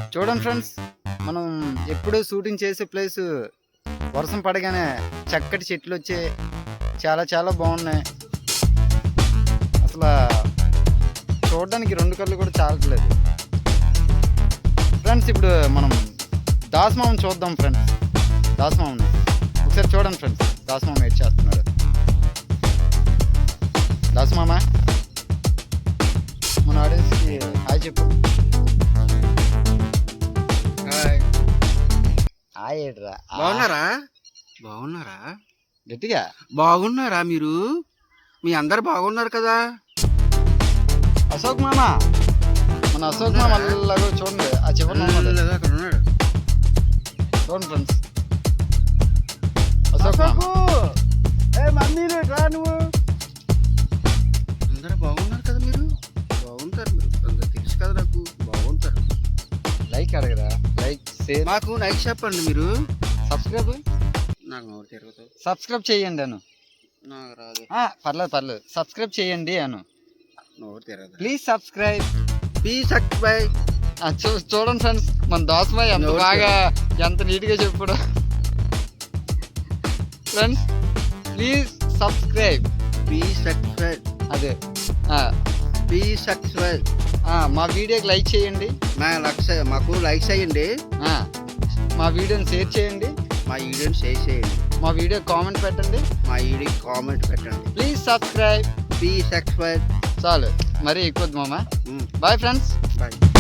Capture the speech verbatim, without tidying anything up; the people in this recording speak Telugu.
చూడండి ఫ్రెండ్స్, మనం ఎప్పుడు షూటింగ్ చేసే ప్లేస్ వర్షం పడగానే చక్కటి చెట్లు వచ్చి చాలా చాలా బాగున్నాయి. అసలు చూడడానికి రెండు కళ్ళు కూడా చాలట్లేదు ఫ్రెండ్స్. ఇప్పుడు మనం దాసమామని చూద్దాం ఫ్రెండ్స్. దాసమామని ఒకసారి చూడండి ఫ్రెండ్స్. దాసమామ ఏడ్ చేస్తున్నాడు. దాసమామ మన ఆడియన్స్కి హాయ్ చెప్పు. హాయ్ ఏడ్రా. బాగున్నారా? బాగున్నారా? గట్టిగా బాగున్నారా మీరు? మీ అందరు బాగున్నారు కదా? అశోక్ మామ, మన అశోక్ మామ అలాగో చూడండి. ఆ చివరి అక్కడ ఉన్నాడు. చూడండి ఫ్రెండ్స్. అశోక్ మామ అందరూ బాగున్నారు కదా? మీరు బాగుంటారు. మీరు అందరు తెలుసు కదా నాకు. బాగుంటారు. లైక్ అడగరా? లైక్ షేర్ మాకు లైక్ చెప్పండి. మీరు సబ్స్క్రైబ్ నాకు నోరు తిరుగుతావు. సబ్స్క్రైబ్ చేయండి అను. నాకు రాదు. పర్లేదు పర్లేదు సబ్స్క్రైబ్ చేయండి అను. నోరు తిరగదు. Please subscribe. Please subscribe. చూ చూడండి ఫ్రెండ్స్, మన దోసమాయ ఎంత బాగా ఎంత నీట్గా చెప్పాడు friends. Please subscribe. Please subscribe. అదే ప్లీజ్ సబ్స్క్రైబ్. మా వీడియోకి లైక్ చేయండి. మా లక్ష మాకు లైక్ చేయండి. మా వీడియోని షేర్ చేయండి. మా వీడియోని షేర్ చేయండి. మా వీడియో కామెంట్ పెట్టండి. మా వీడియో కామెంట్ పెట్టండి. Please subscribe. Please subscribe. చాలు, మరీ ఎక్కువ మామ. Bye friends. బాయ్.